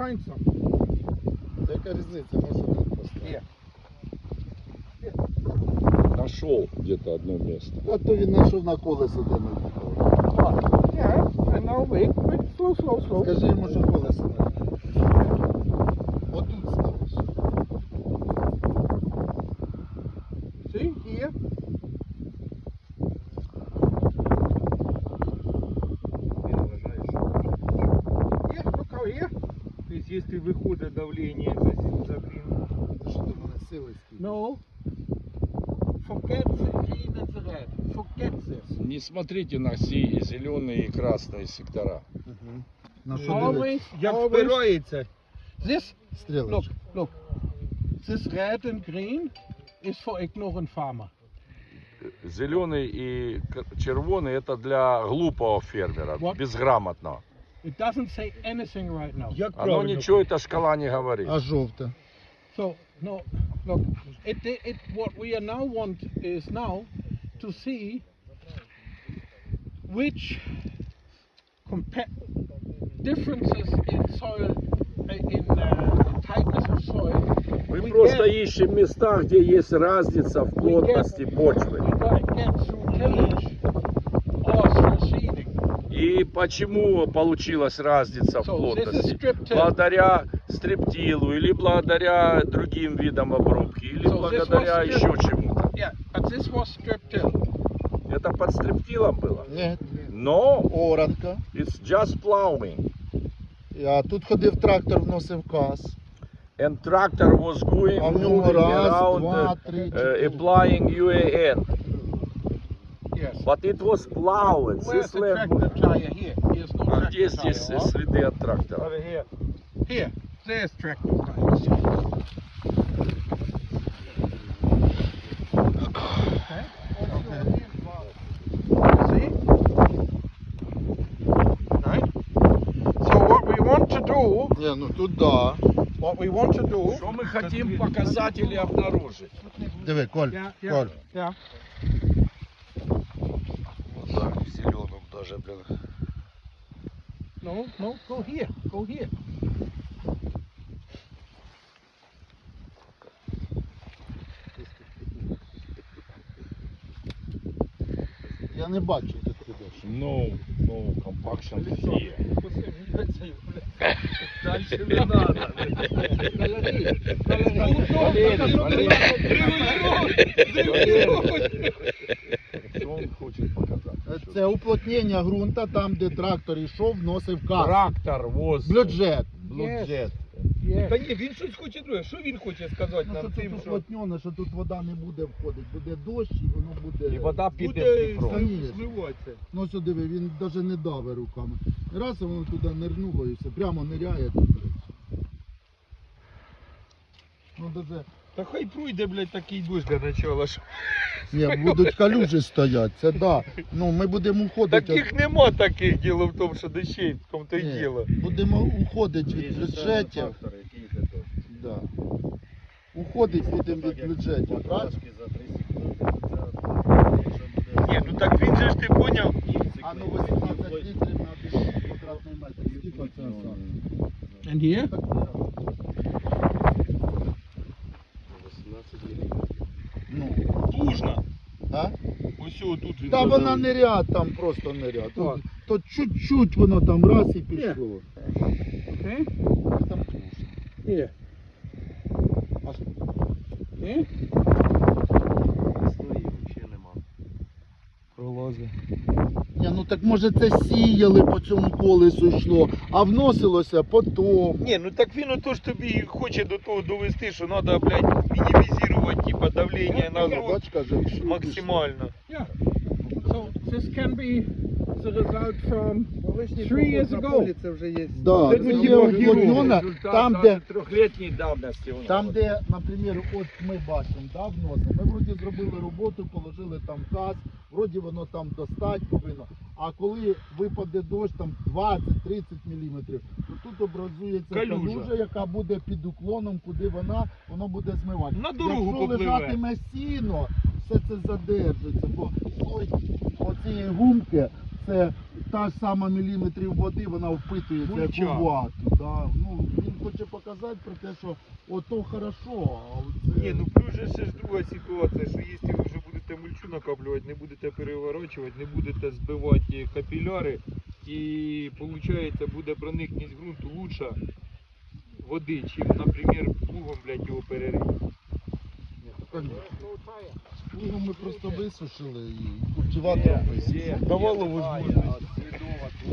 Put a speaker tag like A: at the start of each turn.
A: find some.
B: Яка різниця, може тут поставити.
C: Нашел где-то одно место.
B: А то він знайшов на колесо, де ми їхали.
A: Yeah, I know, wait, slow.
B: Скажи йому, що колесо не їхали. Отут сталося.
A: See, here. Yeah, look out here.
D: То есть, если выходит давление за клин,
B: Ти що до мене сили скільки?
A: No. Forget the green and the red. Forget this.
C: Не смотрите на зеленые и красные сектора.
B: Угу. На що дивитися?
A: Always,
D: як
A: always.
D: впирається.
A: This, look,
B: Стрілочка.
A: look. This red and green is for ignorant farmer.
C: Зеленый и червоный это для глупого фермера,
A: Вот.
C: безграмотного.
A: It doesn't say anything right now.
D: Як
C: Оно
D: правильно?
C: ничего, эта шкала не говорит.
B: А жовте?
A: So, no, look, what we are now want is now to see which differences in soil, in tightness of soil.
C: Мы
A: we
C: просто
A: get-
C: ищем места, где есть разница в плотности почвы.
A: we gotta get through tillage or through seeding.
C: И почему получилась разница в
A: So, this is
C: плотности?
A: strip till.
C: Благодаря стриптилу или благодаря другим видам обрубки, или
A: So, this
C: благодаря
A: was
C: еще чему-то.
A: Yeah, but this was strip till.
C: Это под стриптилом было.
B: Ні.
C: Но
B: Оранка.
C: it's just plowing.
B: А тут ходив трактор, вносив каз.
C: And tractor was going
B: А в ньому
C: moving
B: раз,
C: around,
B: два, три, чотири.
C: applying UAN.
A: Yes.
C: But it was plowed.
A: Where's
C: This
A: the
C: land
A: tractor tire here? Here's no
C: А
A: tractor
C: где
A: tire.
C: здесь
A: huh?
C: следы от трактора?
A: Here, there's tractor tires. Okay. See? Right? So what we want to do,
B: Ні, ну тут да.
A: what we want to do.
C: Что мы хотим показать или обнаружить?
B: Диви, Коль,
A: Yeah,
B: Коль.
A: yeah.
C: Вот так, в зеленом даже, блин.
A: No, go here, go here.
B: Я не бачу, де ти йдеш.
C: No compaction here.
D: Дальше не надо.
C: Что он хочет показать?
B: Це уплотнення ґрунта, там, де трактор йшов, вносив каз.
C: Трактор was
B: Бюджет.
C: Бюджет.
A: Yes.
D: Та ні, він щось хоче друге. Що він хоче сказати
B: Ну, що
D: нам
B: тут
D: тим, що
B: уплотнене, що тут вода не буде входити. Буде дощ і воно буде...
C: І вода піде в
D: буде
C: Дніпро.
D: зливатися.
B: Ну сюди, він навіть не дави руками. Раз воно туди нирнуло і все, прямо ниряє тут. Ну даже...
D: Та хай пройде, блядь, такий дощ для начала. що-
B: Ні, будуть калюжі стоять, це да. Ну ми будемо уходити.
D: Таких нема таких, діло в тому, що дощей, в тому то й
B: Ні,
D: діло.
B: будемо уходити від бюджетів. Да. Уходить будемо від бюджетів, правильно?
D: Ні, ну так він же ж ти поняв.
B: А ну 18 літрів на 1 квадратний метр. Скільки це саме?
A: And here?
B: Ну,
D: Тужно.
B: а?
D: Ось тут він.
B: Та вона не ряд, там просто не ряд. То чуть-чуть воно там раз і пішло.
A: Okay.
B: Там тужно.
A: Here. Okay.
B: Пролазить. Ні, ну так може це сіяли по цьому колесу йшло, а вносилося потім.
D: Ні, ну так він ото ж тобі хоче до того довести, що треба, блядь, мінімізувати, типа, давлення на ґрунт
B: Бач, каже, всю
D: максимально.
A: Yeah. So this can be the result from 3 years ago.
E: Це вже є.
B: Да,
D: Це
B: це
D: ну,
B: є
D: типа,
B: уплотнена,
C: Результат
B: там
C: даже
B: де,
C: трехлетней давности у нас.
B: там де, наприклад, от ми бачимо, да, вносимо. Ми вроді зробили роботу, положили там газ, вроді воно там достать повинно. А коли випаде дощ там 20-30 мм, то тут образується
D: Калюжа.
B: калюжа, яка буде під уклоном, куди воно буде змивати.
D: На дорогу
B: Якщо
D: попливе.
B: лежатиме сіно, все це задержиться, бо слой оцієї гумки, це та ж сама міліметрів води, вона впитується як
D: Мульча.
B: у вату. Да? Ну, він хоче показати про те, що ото хорошо, а оце...
D: Ні, ну плюс же ще ж друга ситуація, що якщо ви вже будете мульчу накаплювати, не будете переворачувати, не будете збивати капіляри, і виходить буде проникність ґрунту лучша води, чим, наприклад, плугом, блядь, його перерити.
B: Ні, то, конечно. Плугом ми просто висушили і культиватором висушили.
D: Давало можливість.